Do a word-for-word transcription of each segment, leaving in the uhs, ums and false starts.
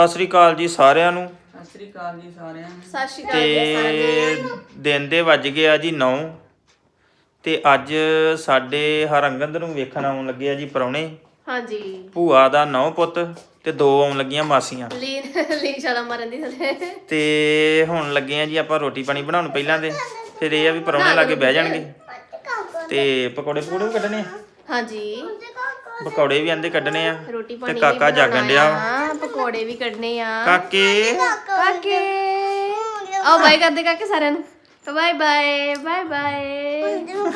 ਸਤਿ ਸ੍ਰੀ ਅਕਾਲ ਜੀ ਸਾਰਿਆਂ ਨੂੰ। ਸਤਿ ਸ੍ਰੀ ਅਕਾਲ ਜੀ ਸਾਰਿਆਂ ਨੂੰ। ਸਤਿ ਸ਼੍ਰੀ ਅਕਾਲ ਜੀ ਸਾਰਿਆਂ ਨੂੰ। ਦਿਨ ਦੇ ਵੱਜ ਗਏ ਆ ਜੀ ਨੌ ਤੇ ਅੱਜ ਸਾਡੇ ਹਰੰਗੰਦ ਨੂੰ ਵੇਖਣ ਆਉਣ ਲੱਗੇ ਆ ਜੀ ਪ੍ਰਾਹੁਣੇ। ਹਾਂਜੀ। ਭੂਆ ਦਾ ਨੌ ਪੁੱਤ ਤੇ ਦੋ ਆਉਣ ਲੱਗੀਆਂ ਮਾਸੀਆਂ। ਲੀਨ ਲੀਨ ਛਾਲਾ ਮਾਰਨ ਦੀ ਥੱਲੇ। ਤੇ ਹੁਣ ਲੱਗੇ ਆ ਜੀ ਆਪਾਂ ਰੋਟੀ ਪਾਣੀ ਬਣਾਉਣ ਪਹਿਲਾਂ ਦੇ, ਫਿਰ ਇਹ ਆ ਵੀ ਪ੍ਰਾਹੁਣੇ ਲਾਗੇ ਬਹਿ ਜਾਣਗੇ ਤੇ ਪਕੌੜੇ ਪਕੌੜੇ ਵੀ ਕੱਢਣੇ ਆ। ਹਾਂਜੀ ਪਕੌੜੇ ਵੀ ਆਂਦੇ ਕੱਢਣੇ ਆ ਰੋਟੀ ਤੇ ਪਾਣੀ ਕਾਕਾ ਜਾਗਣ ਡਿਆ ਹਾਂ ਪਕੌੜੇ ਵੀ ਕੱਢਣੇ ਆ। ਕਾਕੇ ਕਾਕੇ ਆਓ ਬਾਏ ਕਰਦੇ ਕਾਕੇ ਸਾਰਿਆਂ ਨੂੰ। Bye bye bye bye.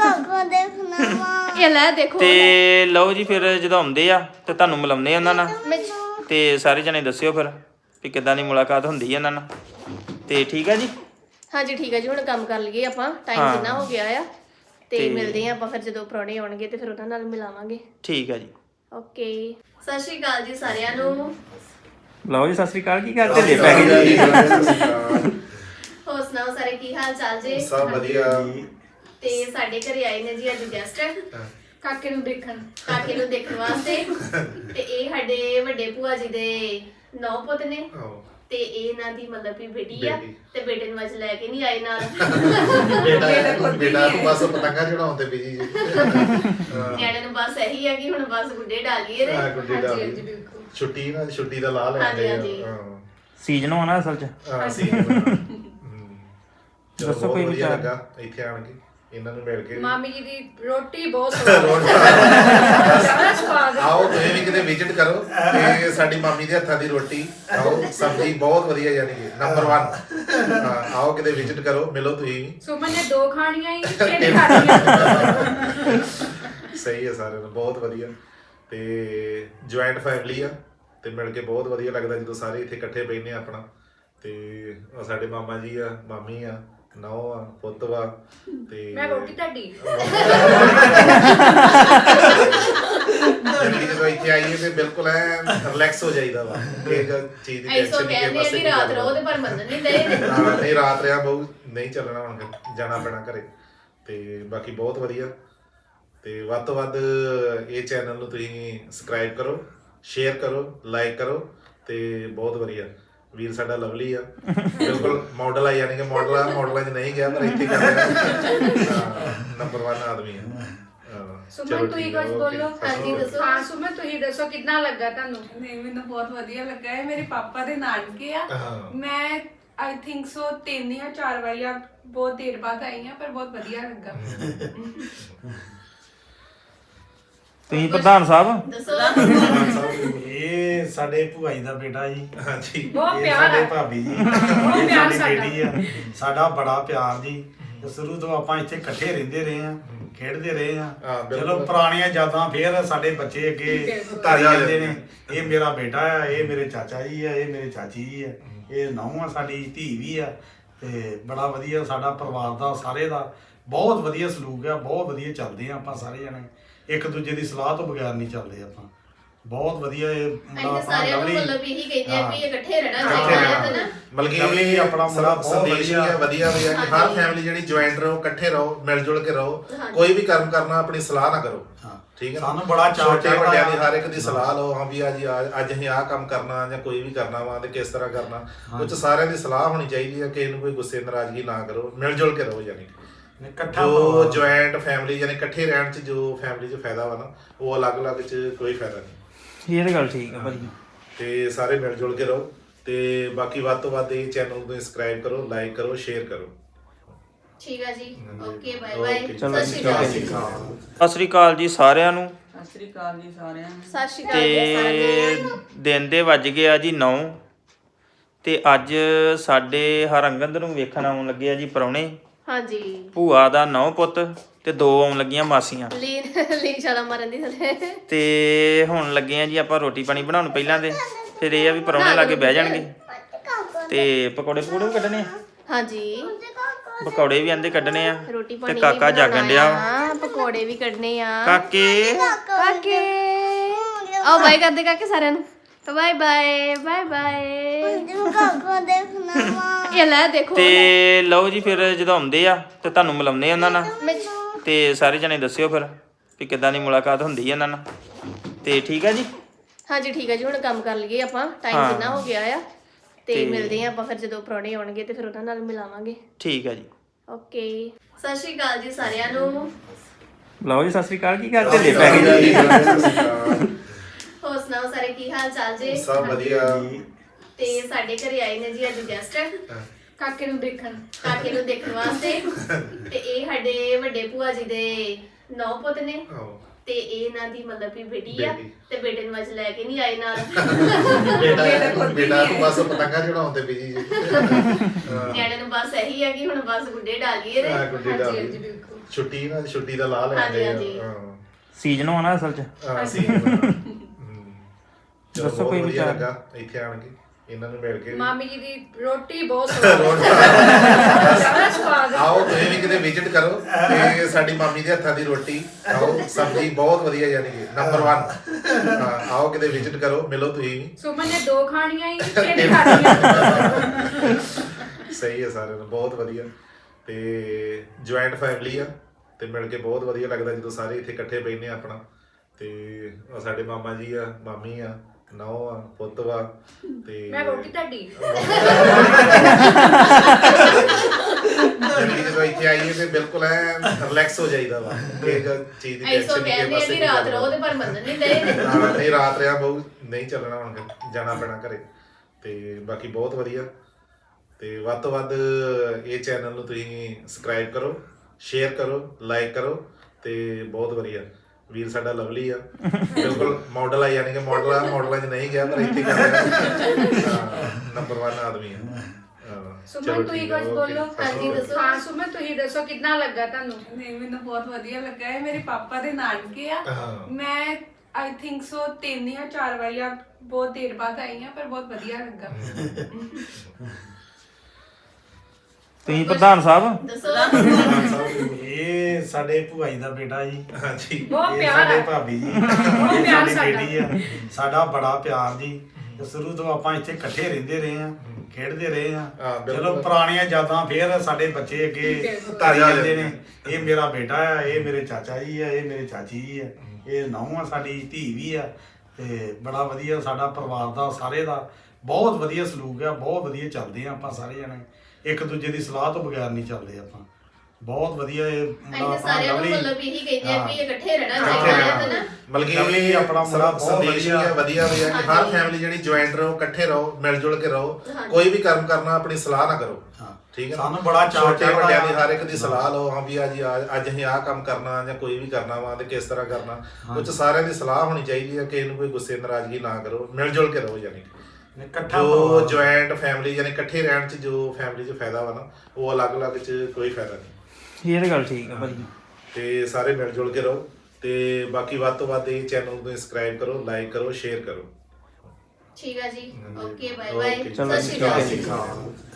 ਇਹ ਲੈ ਦੇਖੋ ਤੇ ਲਓ ਜੀ ਫਿਰ ਜਦੋਂ ਆਉਂਦੇ ਆ ਤੇ ਤੁਹਾਨੂੰ ਮਿਲਾਉਂਦੇ ਆ ਉਹਨਾਂ ਨਾਲ ਮੈਂ- ਤੇ ਸਾਰੇ ਜਣੇ ਦੱਸਿਓ ਫਿਰ ਵੀ ਕਿੱਦਾਂ ਦੀ ਮੁਲਾਕਾਤ ਹੁੰਦੀ ਹੈ ਇਹਨਾਂ ਨਾਲ। ਤੇ ਠੀਕ ਆ ਜੀ। ਹਾਂਜੀ ਠੀਕ ਹੈ ਜੀ। ਹੁਣ ਕੰਮ ਕਰ ਲਈਏ ਆਪਾਂ, ਟਾਈਮ ਕਿੰਨਾ ਹੋ ਗਿਆ ਆ ਤੇ ਮਿਲਦੇ ਆ ਆਪਾਂ ਫਿਰ ਜਦੋਂ ਪ੍ਰਾਹੁਣੇ ਆਉਣਗੇ ਤੇ ਫਿਰ ਉਹਨਾਂ ਨਾਲ ਮਿਲਾਵਾਂਗੇ। ਠੀਕ ਆ ਜੀ। ਓਕੇ ਸਤਿ ਸ਼੍ਰੀ ਅਕਾਲ ਜੀ ਸਾਰਿਆਂ ਨੂੰ। ਲਓ ਜੀ ਸਤਿ ਸ੍ਰੀ ਅਕਾਲ। ਕੀ ਕਰਦੇ ਲੈ ਪੈ ਗਏ ਜੀ? ਹੋਰ ਸੁਣਾਓ ਸਾਰੇ ਕੀ ਹਾਲ ਚਾਲ ਜੀ? ਸਭ ਵਧੀਆ। ਤੇ ਸਾਡੇ ਘਰੇ ਆਏ ਨੇ ਜੀ ਅੱਜ ਗੈਸਟ ਕਾਕੇ ਨੂੰ ਦੇਖਣ ਕਾਕੇ ਨੂੰ ਦੇਖਣ ਵਾਸਤੇ। ਤੇ ਇਹ ਸਾਡੇ ਵੱਡੇ ਭੂਆ ਜੀ ਦੇ ਨੌ ਪੁੱਤ ਨੇ ਤੇ ਇਹ ਇਹਨਾਂ ਦੀ ਮਤਲਬ ਵੀ ਬੇਟੀ ਆ ਤੇ ਬੇਟੇ ਨੂੰ ਅੱਜ ਲੈ ਕੇ ਨਹੀਂ ਆਏ ਨਾਲ। ਬੇਟਾ ਬੇਟਾ ਨੂੰ ਬਸ ਪਤੰਗਾ ਚੜਾਉਣ ਤੇ ਬਿਜੀ ਜੀ। ਨਿਆਣੇ ਨੂੰ ਬਸ ਇਹੀ ਆ ਕਿ ਹੁਣ ਬਸ ਗੁੱਡੇ ਡਾਲੀਏ ਹਾਂ, ਤੇ ਗੁੱਡੇ ਡਾਲੀਏ। ਛੁੱਟੀ ਨਾ ਛੁੱਟੀ ਦਾ ਲਾ ਲੈਂਦੇ ਆ। ਹਾਂ ਸੀਜ਼ਨ ਹੋਣਾ ਅਸਲ ਚ। ਹਾਂ ਸੀ। ਦੱਸੋ ਕੋਈ ਵਿਚਾਰ ਵਿਚਾਰ। ਲੱਗਾ ਇੱਥੇ ਆਣ ਕੇ ਇਹਨਾਂ ਨੂੰ ਮਿਲ ਕੇ। ਮਾਮੀ ਜੀ ਦੀ ਰੋਟੀ ਬਹੁਤ ਸਵਾਦ ਸਵਾਦ। ਆਓ ਤੁਸੀਂ ਵੀ ਕਿਤੇ ਵਿਜ਼ਿਟ ਕਰੋ ਤੇ ਸਾਡੀ ਮਾਮੀ ਦੇ ਹੱਥਾਂ ਦੀ ਰੋਟੀ ਆਓ, ਸਬਜ਼ੀ ਬਹੁਤ ਵਧੀਆ ਯਾਨੀ ਕਿ ਨੰਬਰ ਇੱਕ। ਹਾਂ ਆਓ ਕਿਤੇ ਵਿਜ਼ਿਟ ਕਰੋ, ਮਿਲੋ ਤੁਸੀਂ ਵੀ। ਸੁਮਨ ਨੇ ਦੋ ਖਾਣੀਆਂ ਹੀ ਤਿੰਨ ਖਾਣੀਆਂ। ਸਹੀ ਹੈ ਸਾਰਿਆਂ ਨੂੰ ਬਹੁਤ ਵਧੀਆ। ਤੇ ਜੁਆਇੰਟ ਫੈਮਿਲੀ ਆ ਤੇ ਮਿਲ ਕੇ ਬਹੁਤ ਵਧੀਆ ਲੱਗਦਾ ਜਦੋਂ ਸਾਰੇ ਇੱਥੇ ਇਕੱਠੇ ਬੈਠਨੇ ਆ ਆਪਣਾ। ਤੇ ਉਹ ਸਾਡੇ ਮਾਮਾ ਜੀ ਆ, ਮਾਮੀ ਆ, ਨੌ ਆ, ਪੁੱਤ ਵਾ ਤੇ ਮੈਂ ਰੋਟੀ ਤੁਹਾਡੀ ਜਿੰਦਗੀ ਜਦੋਂ ਇੱਥੇ ਆਈਏ ਤੇ ਬਿਲਕੁਲ ਐ ਰਿਲੈਕਸ ਹੋ ਜਾਈਦਾ ਵਾ। ਇਹ ਚੀਜ਼ ਦੀ ਐਸੋ ਟੈਨਸ਼ਨ ਨਹੀਂ ਕਹਿੰਦੇ ਕਿ ਆ ਬਸ ਕਿ ਰਾਤ ਰਹੋ ਤੇ ਪਰ ਮੰਨਣ ਨਹੀਂ ਦੇ। ਹਾਂ ਨਹੀਂ ਰਾਤ ਰਿਆ ਬਹੁ ਨਹੀਂ ਚੱਲਣਾ, ਹੁਣ ਜਾਣਾ ਪੈਣਾ ਘਰੇ। ਤੇ ਬਾਕੀ ਬਹੁਤ ਵਧੀਆ। ਤੇ ਵੱਧ ਤੋਂ ਵੱਧ ਇਹ ਚੈਨਲ ਨੂੰ ਤੁਸੀਂ ਸਬਸਕ੍ਰਾਈਬ ਕਰੋ, ਸ਼ੇਅਰ ਕਰੋ, ਲਾਈਕ ਕਰੋ ਤੇ ਬਹੁਤ ਵਧੀਆ। ਵੀਰ ਸਾਡਾ ਲਵਲੀ ਆ, ਬਿਲਕੁਲ ਮਾਡਲ ਆ, ਯਾਨੀ ਕਿ ਮਾਡਲ ਆ, ਮਾਡਲਾਂ 'ਚ ਨਹੀਂ ਗਿਆ ਪਰ ਇੱਥੇ ਕਰ ਨੰਬਰ ਇੱਕ ਆਦਮੀ ਆ। ਸੁਮਨ ਤੁਸੀਂ ਕੁਝ ਬੋਲੋ। ਹਾਂਜੀ ਦੱਸੋ। ਹਾਂ ਸੁਮਨ ਤੁਸੀਂ ਦੱਸੋ ਕਿੰਨਾ ਲੱਗਾ ਤੁਹਾਨੂੰ? ਨਹੀਂ ਮੈਨੂੰ ਬਹੁਤ ਵਧੀਆ ਲੱਗਾ ਹੈ। ਮੇਰੇ ਪਾਪਾ ਦੇ ਨਾਨਕੇ ਆ। ਮੈਂ ਆਈ ਥਿੰਕ ਸੋ ਤਿੰਨ ਜਾਂ ਚਾਰ ਵਾਰੀ ਆ ਬਹੁਤ ਦੇਰ ਬਾਅਦ ਆਈ ਆ ਪਰ ਬਹੁਤ ਵਧੀਆ ਲੱਗਾ। ਤੁਸੀਂ ਪ੍ਰਧਾਨ ਸਾਹਿਬ ਦੱਸੋ। ਇਹ ਸਾਡੇ ਭੂਆ ਜੀ ਦਾ ਬੇਟਾ ਜੀ। ਹਾਂਜੀ ਬਹੁਤ ਇਹ ਪਿਆਰ ਸਾਡੇ ਹੈ। ਭਾਬੀ ਜੀ। ਬਹੁਤ ਇਹ ਪਿਆਰ ਸਾਡੀ ਸਾਡਾ। ਬੇਟੀ ਆ। ਸਾਡਾ ਬੜਾ ਪਿਆਰ ਜੀ। ਸ਼ੁਰੂ ਤੋਂ ਆਪਾਂ ਇੱਥੇ ਇਕੱਠੇ ਰਹਿੰਦੇ ਰਹੇ ਆ, ਖੇਡਦੇ ਰਹੇ ਆ। ਹਾਂ, ਬਿਲਕੁਲ। ਚਲੋ ਪੁਰਾਣੀਆਂ ਯਾਦਾਂ ਫੇਰ ਸਾਡੇ ਬੱਚੇ ਅੱਗੇ ਧਾਰੀ ਜਾਂਦੇ ਨੇ। ਇਹ ਮੇਰਾ ਬੇਟਾ ਆ, ਇਹ ਮੇਰੇ ਚਾਚਾ ਜੀ ਆ, ਇਹ ਮੇਰੇ ਚਾਚੀ ਜੀ ਆ, ਇਹ ਨਹੁੰ ਆ, ਸਾਡੀ ਧੀ ਵੀ ਆ। ਤੇ ਬੜਾ ਵਧੀਆ ਸਾਡਾ ਪਰਿਵਾਰ ਦਾ ਸਾਰੇ ਦਾ ਬਹੁਤ ਵਧੀਆ ਸਲੂਕ ਆ। ਬਹੁਤ ਵਧੀਆ ਚੱਲਦੇ ਆ ਆਪਾਂ ਸਾਰੇ ਜਣੇ। ਇੱਕ ਦੂਜੇ ਦੀ ਸਲਾਹ ਤੋਂ ਬਗੈਰ ਨਹੀਂ ਚੱਲਦੇ ਆਪਾਂ। ਬਹੁਤ ਵਧੀਆ ਇਹ ਅਸੀਂ ਤਾਂ ਸਾਰਿਆਂ ਨੂੰ ਮਤਲਬ ਇਹੀ ਕਹਿੰਦੇ ਆ ਵੀ ਇਕੱਠੇ ਰਹਿਣਾ ਇਕੱਠੇ ਚਾਹੀਦਾ ਹੈ ਰਹਿਣਾ। ਨਾ। ਬਲਕਿ ਲਵਲੀ ਆਪਣਾ ਮੁੰਡਾ ਬਹੁਤ ਸੰਦੇਸ਼ ਵੀ ਆ, ਵਧੀਆ। ਵਧੀਆ ਵੀ ਆ ਕਿ ਹਰ ਫੈਮਿਲੀ ਜਿਹੜੀ ਜੁਆਇੰਟ ਰਹੋ, ਇਕੱਠੇ ਰਹੋ, ਮਿਲ ਜੁਲ ਕੇ ਰਹੋ। ਕੋਈ ਵੀ ਕੰਮ ਕਰਨਾ ਆਪਣੀ ਸਲਾਹ ਨਾ ਕਰੋ। ਹਾਂ। ਠੀਕ ਹੈ। ਸਾਨੂੰ ਬੜਾ ਚਾਅ ਛੋਟੇ ਚੜ੍ਹਦਾ ਵੱਡਿਆਂ ਦੀ ਆ। ਹਰ ਇੱਕ ਦੀ ਸਲਾਹ ਲਓ। ਹਾਂ ਵੀ ਅੱਜ ਅੱਜ ਅਸੀਂ ਆਹ ਕੰਮ ਕਰਨਾ ਜਾਂ ਕੋਈ ਵੀ ਕਰਨਾ ਵਾ ਤੇ ਕਿਸ ਤਰ੍ਹਾਂ ਕਰਨਾ। ਉਹ 'ਚ ਸਾਰਿਆਂ ਦੀ ਸਲਾਹ ਹੋਣੀ ਚਾਹੀਦੀ ਹੈ। ਕਿਸੇ ਨੂੰ ਕੋਈ ਗੁੱਸੇ ਨਾਰਾਜ਼ਗੀ ਨਾ ਕਰੋ, ਮਿਲ ਜੁਲ ਕੇ ਰਹੋ। ਯਾਨੀ ਇਕੱਠਾ ਜੋ ਪਰਿਵਾਰ। ਜੁਆਇੰਟ ਫੈਮਿਲੀ ਯਾਨੀ ਇਕੱਠੇ ਰਹਿਣ 'ਚ ਜੋ ਫੈਮਿਲੀ 'ਚ ਫਾਇਦਾ ਵਾ ਨਾ, ਉਹ ਅਲੱਗ-ਅਲੱਗ 'ਚ ਕੋਈ ਫਾਇਦਾ ਨਹੀਂ। ਇਹ ਤਾਂ ਗੱਲ ਠੀਕ ਆ ਭਾਈ। ਤੇ ਸਾਰੇ ਮਿਲ ਜੁਲ ਕੇ ਰਹੋ ਤੇ ਬਾਕੀ ਵੱਧ ਤੋਂ ਵੱਧ ਇਹ ਚੈਨਲ ਨੂੰ ਸਬਸਕ੍ਰਾਈਬ ਕਰੋ, ਲਾਈਕ ਕਰੋ, ਸ਼ੇਅਰ ਕਰੋ। ਠੀਕ ਆ ਜੀ। Okay bye bye. ਓਕੇ। ਚਲੋ ਸਤਿ ਸ਼੍ਰੀ ਅਕਾਲ ਜੀ। ਸਤਿ ਸ੍ਰੀ ਅਕਾਲ ਜੀ ਸਾਰਿਆਂ ਨੂੰ। ਸਤਿ ਸ੍ਰੀ ਅਕਾਲ ਜੀ ਸਾਰਿਆਂ ਨੂੰ। ਸਤਿ ਸ਼੍ਰੀ ਅਕਾਲ ਜੀ ਸਾਰਿਆਂ ਤੇ ਨੂੰ। ਦਿਨ ਦੇ ਵੱਜ ਗਏ ਆ ਜੀ ਨੌ ਤੇ ਅੱਜ ਸਾਡੇ ਹਰੰਗੰਦ ਨੂੰ ਵੇਖਣ ਆਉਣ ਲੱਗੇ ਆ ਜੀ ਪ੍ਰਾਹੁਣੇ। ਹਾਂਜੀ। ਭੂਆ ਦਾ ਨੌ ਪੁੱਤ ਤੇ ਦੋ ਆਉਣ ਲੱਗੀਆਂ ਮਾਸੀਆਂ। ਲੀਨ ਲੀਨ ਛਾਲਾ ਮਾਰਨ ਦੀ ਥੱਲੇ। ਤੇ ਹੁਣ ਲੱਗੇ ਆ ਜੀ ਆਪਾਂ ਰੋਟੀ ਪਾਣੀ ਬਣਾਉਣ ਪਹਿਲਾਂ ਦੇ, ਫਿਰ ਇਹ ਆ ਵੀ ਪ੍ਰਾਹੁਣੇ ਲਾਗੇ ਬਹਿ ਜਾਣਗੇ ਤੇ ਪਕੌੜੇ ਪਕੌੜੇ ਵੀ ਕੱਢਣੇ ਆ। ਹਾਂਜੀ ਪਕੌੜੇ ਵੀ ਆਂਦੇ ਕੱਢਣੇ ਆ ਰੋਟੀ ਤੇ ਪਾਣੀ ਕਾਕਾ ਜਾਗਣ ਡਿਆ ਵਾ। ਹਾਂ ਪਕੌੜੇ ਵੀ ਕੱਢਣੇ ਆ। ਕਾਕੇ ਕਾਕੇ ਆਓ ਬਾਏ ਕਰਦੇ ਕਾਕੇ ਸਾਰਿਆਂ ਨੂੰ। Bye bye bye bye. ਇਹ ਲੈ ਦੇਖੋ ਤੇ ਲਓ ਜੀ ਫਿਰ ਜਦੋਂ ਆਉਂਦੇ ਆ ਤੇ ਤੁਹਾਨੂੰ ਮਿਲਾਉਂਦੇ ਆ ਉਹਨਾਂ ਨਾਲ ਮੈਂ- ਤੇ ਸਾਰੇ ਜਣੇ ਦੱਸਿਓ ਫਿਰ ਵੀ ਕਿੱਦਾਂ ਦੀ ਮੁਲਾਕਾਤ ਹੁੰਦੀ ਹੈ ਇਹਨਾਂ ਨਾਲ। ਤੇ ਠੀਕ ਆ ਜੀ। ਹਾਂਜੀ ਠੀਕ ਹੈ ਜੀ, ਹੁਣ ਕੰਮ ਕਰ ਲਈਏ ਆਪਾਂ, ਟਾਈਮ ਹਾਂ। ਕਿੰਨਾ ਹੋ ਗਿਆ ਆ। ਤੇ ਤੇ- ਮਿਲਦੇ ਆ ਆਪਾਂ ਫਿਰ ਜਦੋਂ ਪ੍ਰਾਹੁਣੇ ਆਉਣਗੇ ਤੇ ਫਿਰ ਉਹਨਾਂ ਨਾਲ ਮਿਲਾਵਾਂਗੇ। ਠੀਕ ਹੈ ਜੀ। ਓਕੇ, ਸਤਿ ਸ਼੍ਰੀ ਅਕਾਲ ਜੀ ਸਾਰਿਆਂ ਨੂੰ। ਲਓ ਜੀ, ਸਤਿ ਸ੍ਰੀ ਅਕਾਲ। ਕੀ ਕਰਦੇ ਜੇ ਪੈ ਗਏ ਜੀ? ਹੋਰ ਸੁਣਾਓ ਸਾਰੇ, ਕੀ ਹਾਲ ਚਾਲ ਜੀ? ਸਭ ਵਧੀਆ। ਤੇ ਸਾਡੇ ਘਰੇ ਆਏ ਨੇ ਜੀ ਅੱਜ ਗੈਸਟ, ਕਾਕੇ ਨੂੰ ਦੇਖਣ ਕਾਕੇ ਨੂੰ ਦੇਖਣ ਵਾਸਤੇ। ਤੇ ਇਹ ਸਾਡੇ ਵੱਡੇ ਭੂਆ ਜੀ ਦੇ ਨੌ ਪੁੱਤ ਨੇ ਤੇ ਇਹ ਇਹਨਾਂ ਦੀ ਮਤਲਬ ਵੀ ਬੇਟੀ ਆ। ਬੇਟੀ। ਤੇ ਬੇਟੇ ਨੂੰ ਅੱਜ ਲੈ ਕੇ ਨਹੀਂ ਆਏ ਨਾਲ। ਬੇਟਾ ਬੇਟਾ ਤੂੰ ਬਸ ਪਤੰਗਾ ਚੜਾਉਂਦੇ ਬਿਜੀ ਜੀ। ਨਿਆਣੇ ਨੂੰ ਬਸ ਇਹੀ ਹੈ ਕਿ ਹੁਣ ਬਸ ਗੁੱਡੇ ਡਾਲੀਏ ਤੇ ਹਾਂ, ਗੁੱਡੀ ਡਾਲ ਲਈ। ਬਿਲਕੁਲ। ਛੁੱਟੀ ਨਾ ਛੁੱਟੀ ਦਾ ਲਾ ਹਾਂਜੀ, ਲੈਂਦੇ ਹਾਂਜੀ। ਆ। ਸੀਜ਼ਨ ਹੋਣਾ ਅਸਲ 'ਚ। ਹਾਂ ਹਾਂ ਸੀ। ਦੱਸੋ ਦੱਸੋ ਕੋਈ ਕੋਈ ਵਿਚਾਰ। ਲੱਗਾ ਇੱਥੇ ਆਣ ਕੇ ਇਹਨਾਂ ਨੂੰ ਮਿਲ ਕੇ ਵੀ। ਮਾਮੀ ਜੀ ਦੀ ਰੋਟੀ ਬਹੁਤ ਸਵਾਦ ਸਵਾਦ ਆਓ ਤੁਸੀਂ ਵੀ ਕਿਤੇ ਵਿਜ਼ਿਟ ਕਰੋ ਤੇ ਸਾਡੀ ਮਾਮੀ ਦੇ ਹੱਥਾਂ ਦੀ ਰੋਟੀ ਆਓ, ਸਬਜ਼ੀ ਬਹੁਤ ਵਧੀਆ, ਯਾਨੀ ਕਿ ਨੰਬਰ ਇੱਕ। ਹਾਂ, ਆਓ ਕਿਤੇ ਵਿਜ਼ਿਟ ਕਰੋ, ਮਿਲੋ ਤੁਸੀਂ ਵੀ। ਸੁਮਨ ਨੇ ਦੋ ਖਾਣੀਆਂ ਹੀ ਤਿੰਨ ਖਾਣੀਆਂ। ਸਹੀ ਹੈ, ਸਾਰਿਆਂ ਨੂੰ ਬਹੁਤ ਵਧੀਆ। ਤੇ ਜੁਆਇੰਟ ਫੈਮਿਲੀ ਆ ਤੇ ਮਿਲ ਕੇ ਬਹੁਤ ਵਧੀਆ ਲੱਗਦਾ ਜਦੋਂ ਸਾਰੇ ਇੱਥੇ ਇਕੱਠੇ ਬੈਠਨੇ ਆ ਆਪਣਾ। ਤੇ ਆਹ ਸਾਡੇ ਮਾਮਾ ਜੀ ਆ, ਮਾਮੀ ਆ, ਨੌ ਆ, ਪੁੱਤ ਵਾ ਤੇ ਮੈਂ ਰੋਟੀ ਤੁਹਾਡੀ ਜਲਦੀ ਜਦੋਂ ਇੱਥੇ ਆਈਏ ਤੇ ਬਿਲਕੁਲ ਐ ਰਿਲੈਕਸ ਹੋ ਜਾਈਦਾ ਵਾ। ਇਹ ਗੱਲ ਚੀਜ਼ ਦੀ ਐਸੋ ਟੈਨਸ਼ਨ ਨਹੀਂ ਕਹਿੰਦੇ ਆ ਵੀ ਰਾਤ ਰਹੋ ਤੇ ਪਰ ਮੰਨਣ ਨਹੀਂ ਦੇ। ਹਾਂ, ਨਹੀਂ ਰਾਤ ਰਿਆ ਬਹੁ ਨਹੀਂ ਚੱਲਣਾ, ਹੁਣ ਫਿਰ ਜਾਣਾ ਪੈਣਾ ਘਰੇ। ਤੇ ਬਾਕੀ ਬਹੁਤ ਵਧੀਆ। ਤੇ ਵੱਧ ਤੋਂ ਵੱਧ ਇਹ ਚੈਨਲ ਨੂੰ ਤੁਸੀਂ ਸਬਸਕ੍ਰਾਈਬ ਕਰੋ, ਸ਼ੇਅਰ ਕਰੋ, ਲਾਈਕ ਕਰੋ। ਤੇ ਬਹੁਤ ਵਧੀਆ ਵੀਰ ਸਾਡਾ ਲਵਲੀ ਆ, ਬਿਲਕੁਲ ਮਾਡਲ ਆ, ਯਾਨੀ ਕਿ ਮਾਡਲ ਆ, ਮਾਡਲਾਂ 'ਚ ਨਹੀਂ ਗਿਆ ਪਰ ਇੱਥੇ ਕਰ ਰਿਹਾ। ਨੰਬਰ ਇੱਕ ਆਦਮੀ ਆ। ਹਾਂ, ਸੁਮਨ, ਚਲੋ ਤੁਸੀਂ ਠੀਕ ਆ, ਕੁਝ ਓਕੇ। ਬੋਲੋ। ਹਾਂਜੀ, ਦੱਸੋ। ਹਾਂ ਸੁਮਨ, ਤੁਸੀਂ ਦੱਸੋ ਕਿੰਨਾ ਲੱਗਾ ਤੁਹਾਨੂੰ? ਨਹੀਂ, ਮੈਨੂੰ ਬਹੁਤ ਵਧੀਆ ਲੱਗਾ ਹੈ। ਮੇਰੇ ਪਾਪਾ ਦੇ ਨਾਨਕੇ ਆ। ਹਾਂ। ਮੈਂ ਆਈ ਥਿੰਕ ਸੋ ਤਿੰਨ ਜਾਂ ਚਾਰ ਵਾਰੀ ਆ ਬਹੁਤ ਦੇਰ ਬਾਅਦ ਆਈ ਹਾਂ, ਪਰ ਬਹੁਤ ਵਧੀਆ ਲੱਗਾ। ਤੁਸੀਂ ਪ੍ਰਧਾਨ ਸਾਹਿਬ। ਦੱਸੋ। ਇਹ ਸਾਡੇ ਭੂਆ ਜੀ ਦਾ ਬੇਟਾ ਜੀ। ਹਾਂਜੀ। ਬਹੁਤ ਇਹ ਪਿਆਰ ਸਾਡੇ ਆ। ਭਾਬੀ ਜੀ। ਬਹੁਤ ਇਹ ਪਿਆਰ ਸਾਡੀ ਸਾਡਾ। ਬੇਟੀ ਆ। ਸਾਡਾ ਬੜਾ ਪਿਆਰ ਜੀ। ਤੇ ਸ਼ੁਰੂ ਤੋਂ ਆਪਾਂ ਇੱਥੇ ਇਕੱਠੇ ਰਹਿੰਦੇ ਰਹੇ ਆ, ਖੇਡਦੇ ਰਹੇ ਆ। ਹਾਂ, ਬਿਲਕੁਲ। ਚਲੋ ਪੁਰਾਣੀਆਂ ਯਾਦਾਂ ਫੇਰ ਸਾਡੇ ਬੱਚੇ ਅੱਗੇ ਧਾਰੀ ਜਾਂਦੇ ਨੇ। ਇਹ ਮੇਰਾ ਬੇਟਾ ਆ, ਇਹ ਮੇਰੇ ਚਾਚਾ ਜੀ ਆ, ਇਹ ਮੇਰੇ ਚਾਚੀ ਜੀ ਆ, ਇਹ ਨਹੁੰ ਆ, ਸਾਡੀ ਧੀ ਵੀ ਆ। ਤੇ ਬੜਾ ਵਧੀਆ ਸਾਡਾ ਪਰਿਵਾਰ ਦਾ ਸਾਰੇ ਦਾ ਬਹੁਤ ਵਧੀਆ ਸਲੂਕ ਆ। ਬਹੁਤ ਵਧੀਆ ਚੱਲਦੇ ਆ ਆਪਾਂ ਸਾਰੇ ਜਣੇ, ਇੱਕ ਦੂਜੇ ਦੀ ਸਲਾਹ ਤੋਂ ਬਗੈਰ ਨਹੀਂ ਚੱਲਦੇ ਆਪਾਂ। ਬਹੁਤ ਵਧੀਆ ਇਹ ਮੁੰਡਾ ਅਸੀਂ ਆਪਣਾ ਸਾਰਿਆਂ ਨੂੰ ਲਵਲੀ। ਮਤਲਬ ਇਹੀ ਕਹਿੰਦੇ ਆ ਵੀ ਹਾਂ। ਇਕੱਠੇ ਰਹਿਣਾ ਇਕੱਠੇ ਚਾਹੀਦਾ ਹੈ ਰਹਿਣਾ। ਨਾ। ਮਤਲਬ ਕਿ ਲਵਲੀ ਆਪਣਾ ਮੁੰਡਾ ਬਹੁਤ ਸੰਦੇਸ਼ ਵੀ ਆ, ਵਧੀਆ। ਵਧੀਆ ਵੀ ਆ ਕਿ ਹਰ ਹਾਂਜੀ। ਫੈਮਿਲੀ ਜਿਹੜੀ ਜੁਆਇੰਟ ਰਹੋ, ਇਕੱਠੇ ਰਹੋ, ਮਿਲ ਜੁਲ ਕੇ ਰਹੋ। ਹਾਂਜੀ। ਕੋਈ ਵੀ ਕੰਮ ਕਰਨਾ ਆਪਣੀ ਸਲਾਹ ਨਾ ਕਰੋ। ਹਾਂ। ਠੀਕ ਹੈ, ਸਾਨੂੰ ਬੜਾ ਚਾਅ ਛੋਟੇ ਚੜ੍ਹਦਾ ਵੱਡਿਆਂ ਦੀ ਆ। ਹਰ ਇੱਕ ਦੀ ਸਲਾਹ ਲਓ। ਹਾਂ ਵੀ ਅੱਜ ਅੱਜ ਅਸੀਂ ਆਹ ਕੰਮ ਕਰਨਾ ਜਾਂ ਕੋਈ ਵੀ ਕਰਨਾ ਵਾ ਤੇ ਕਿਸ ਤਰ੍ਹਾਂ ਕਰਨਾ। ਉਹ 'ਚ ਸਾਰਿਆਂ ਦੀ ਸਲਾਹ ਹੋਣੀ ਚਾਹੀਦੀ ਹੈ। ਕਿਸੇ ਨੂੰ ਕੋਈ ਗੁੱਸੇ ਨਾਰਾਜ਼ਗੀ ਨਾ ਕਰੋ, ਮਿਲ ਜੁਲ ਕੇ ਰਹੋ। ਯਾਨੀ ਕਿ ਇਕੱਠਾ ਜੋ ਪਰਿਵਾਰ। ਜੁਆਇੰਟ ਫੈਮਿਲੀ ਯਾਨੀ ਇਕੱਠੇ ਰਹਿਣ 'ਚ ਜੋ ਫੈਮਿਲੀ 'ਚ ਫਾਇਦਾ ਵਾ ਨਾ, ਉਹ ਅਲੱਗ-ਅਲੱਗ 'ਚ ਕੋਈ ਫਾਇਦਾ ਨਹੀਂ। ਇਹ ਤਾਂ ਗੱਲ ਠੀਕ ਆ ਭਾਜੀ। ਤੇ ਸਾਰੇ ਮਿਲ ਜੁਲ ਕੇ ਰਹੋ। ਤੇ ਬਾਕੀ ਵੱਧ ਤੋਂ ਵੱਧ ਇਹ ਚੈਨਲ ਨੂੰ ਸਬਸਕ੍ਰਾਈਬ ਕਰੋ, ਲਾਈਕ ਕਰੋ, ਸ਼ੇਅਰ ਕਰੋ। ਠੀਕ ਆ ਜੀ, ਓਕੇ, ਬਾਏ ਬਾਏ, ਓਕੇ। ਚਲੋ ਸਤਿ ਸ਼੍ਰੀ ਅਕਾਲ ਸਤਿ ਸ਼੍ਰੀ ਜੀ। ਅਕਾਲ।